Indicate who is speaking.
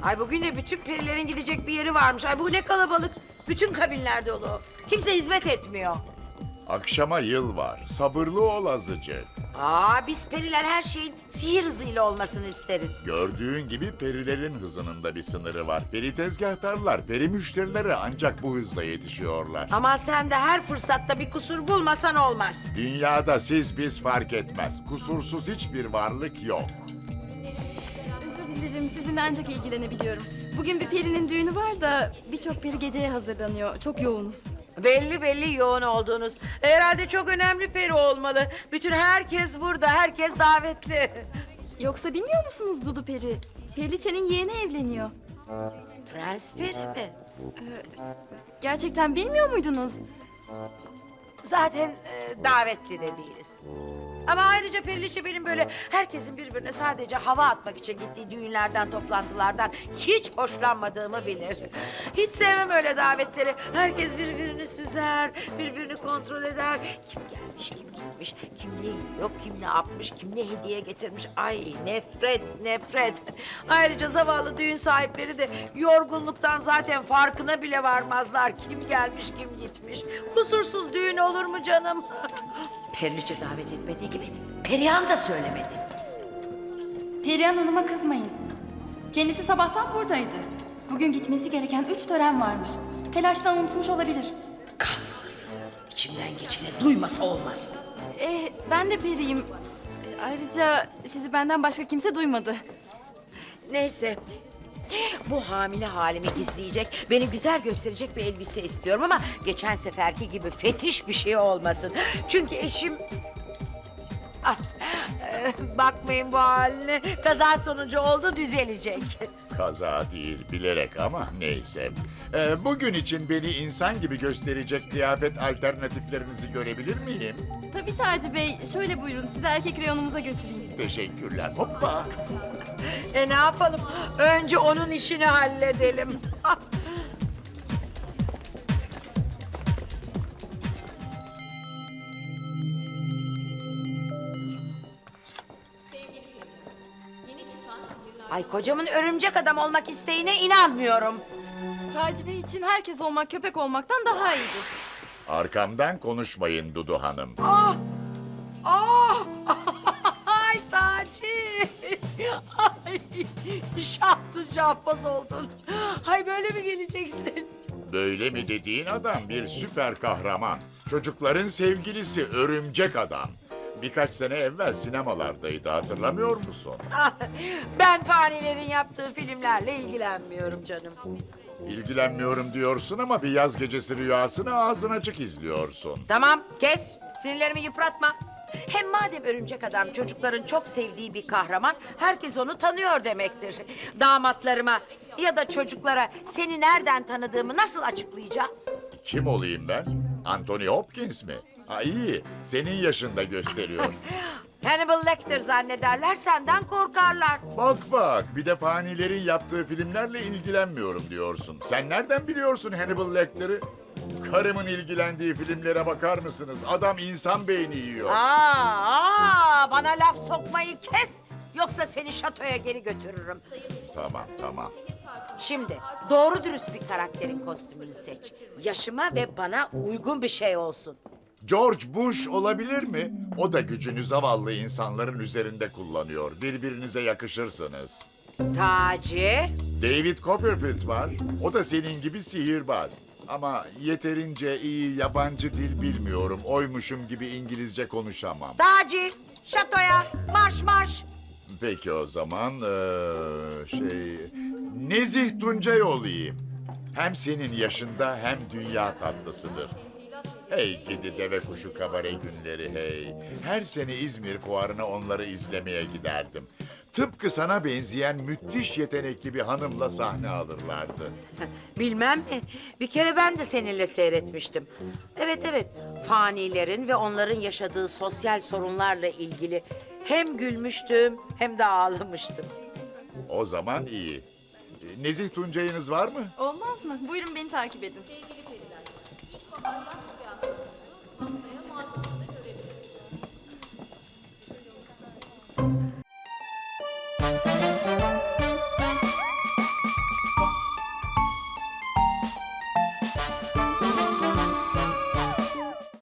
Speaker 1: Ay bugün de bütün perilerin gidecek bir yeri varmış. Ay bu ne kalabalık. Bütün kabinler dolu. Kimse hizmet etmiyor.
Speaker 2: Akşama yıl var. Sabırlı ol azıcık.
Speaker 1: Biz periler her şeyin sihir hızıyla olmasını isteriz.
Speaker 2: Gördüğün gibi perilerin hızının da bir sınırı var. Peri tezgahtarlar, peri müşterileri ancak bu hızla yetişiyorlar.
Speaker 1: Ama sen de her fırsatta bir kusur bulmasan olmaz.
Speaker 2: Dünyada siz biz fark etmez. Kusursuz hiçbir varlık yok.
Speaker 3: Özür dilerim, sizinle ancak ilgilenebiliyorum. Bugün bir perinin düğünü var da birçok peri geceye hazırlanıyor. Çok yoğunuz.
Speaker 1: Belli yoğun olduğunuz. Herhalde çok önemli peri olmalı. Bütün herkes burada, herkes davetli.
Speaker 3: Yoksa bilmiyor musunuz Dudu Peri? Periliçe'nin yeğeni evleniyor.
Speaker 1: Prens peri mi?
Speaker 3: Gerçekten bilmiyor muydunuz?
Speaker 1: Zaten davetli de değiliz. Ama ayrıca Periliçe benim böyle herkesin birbirine sadece hava atmak için gittiği düğünlerden, toplantılardan hiç hoşlanmadığımı bilir. Hiç sevmem öyle davetleri. Herkes birbirini süzer, birbirini kontrol eder. Kim gelmiş, kim gitmiş, kim ne yiyor, kim ne yapmış, kim ne hediye getirmiş. Ay nefret. Ayrıca zavallı düğün sahipleri de yorgunluktan zaten farkına bile varmazlar. Kim gelmiş, kim gitmiş. Kusursuz düğün olur mu canım? Periliçe davet etmediği gibi Perihan da söylemedi.
Speaker 3: Perihan Hanım'a kızmayın. Kendisi sabahtan buradaydı. Bugün gitmesi gereken 3 tören varmış. Telaştan unutmuş olabilir.
Speaker 1: Kahrolası. İçimden geçene duymasa olmaz.
Speaker 3: Ben de periyim. Ayrıca sizi benden başka kimse duymadı.
Speaker 1: Neyse. Bu hamile halimi gizleyecek, beni güzel gösterecek bir elbise istiyorum ama geçen seferki gibi fetiş bir şey olmasın. Çünkü eşim... Bakmayın bu haline. Kaza sonucu oldu, düzelecek.
Speaker 2: Kaza değil, bilerek ama neyse. Bugün için beni insan gibi gösterecek kıyafet alternatiflerinizi görebilir miyim?
Speaker 3: Tabii Taci Bey. Şöyle buyurun, sizi erkek reyonumuza götüreyim.
Speaker 2: Teşekkürler. Hoppa.
Speaker 1: Ne yapalım? Önce onun işini halledelim. Ay kocamın örümcek adam olmak isteğine inanmıyorum.
Speaker 3: Taci Bey için herkes olmak köpek olmaktan daha iyidir.
Speaker 2: Arkamdan konuşmayın Dudu Hanım.
Speaker 1: Ay Taci. Ay şahtın şahbaz oldun. Ay böyle mi geleceksin?
Speaker 2: Böyle mi dediğin adam bir süper kahraman. Çocukların sevgilisi örümcek adam. Birkaç sene evvel sinemalardaydı, hatırlamıyor musun?
Speaker 1: Ben fanilerin yaptığı filmlerle ilgilenmiyorum canım.
Speaker 2: İlgilenmiyorum diyorsun ama bir yaz gecesi rüyasını ağzın açık izliyorsun.
Speaker 1: Tamam kes. Sinirlerimi yıpratma. Hem madem örümcek adam çocukların çok sevdiği bir kahraman, herkes onu tanıyor demektir. Damatlarıma ya da çocuklara seni nereden tanıdığımı nasıl açıklayacağım?
Speaker 2: Kim olayım ben? Anthony Hopkins mi? Ha iyi, senin yaşında gösteriyor.
Speaker 1: Hannibal Lecter zannederler, senden korkarlar.
Speaker 2: Bak, bir de fanilerin yaptığı filmlerle ilgilenmiyorum diyorsun. Sen nereden biliyorsun Hannibal Lecter'ı? Karımın ilgilendiği filmlere bakar mısınız? Adam insan beyni yiyor.
Speaker 1: Bana laf sokmayı kes. Yoksa seni şatoya geri götürürüm.
Speaker 2: Tamam.
Speaker 1: Şimdi doğru dürüst bir karakterin kostümünü seç. Yaşıma ve bana uygun bir şey olsun.
Speaker 2: George Bush olabilir mi? O da gücünü zavallı insanların üzerinde kullanıyor. Birbirinize yakışırsınız.
Speaker 1: Taci.
Speaker 2: David Copperfield var. O da senin gibi sihirbaz. Ama yeterince iyi yabancı dil bilmiyorum. Oymuşum gibi İngilizce konuşamam.
Speaker 1: Taci. Şatoya. Marş.
Speaker 2: Peki o zaman Nezih Tuncay olayım. Hem senin yaşında hem dünya tatlısıdır. Hey gidi deve kuşu kabare günleri hey. Her sene İzmir fuarına onları izlemeye giderdim. Tıpkı sana benzeyen müthiş yetenekli bir hanımla sahne alırlardı.
Speaker 1: Bilmem mi? Bir kere ben de seninle seyretmiştim. Evet. Fanilerin ve onların yaşadığı sosyal sorunlarla ilgili hem gülmüştüm hem de ağlamıştım.
Speaker 2: O zaman iyi. Nezih Tuncay'ınız var mı?
Speaker 3: Olmaz mı? Buyurun beni takip edin.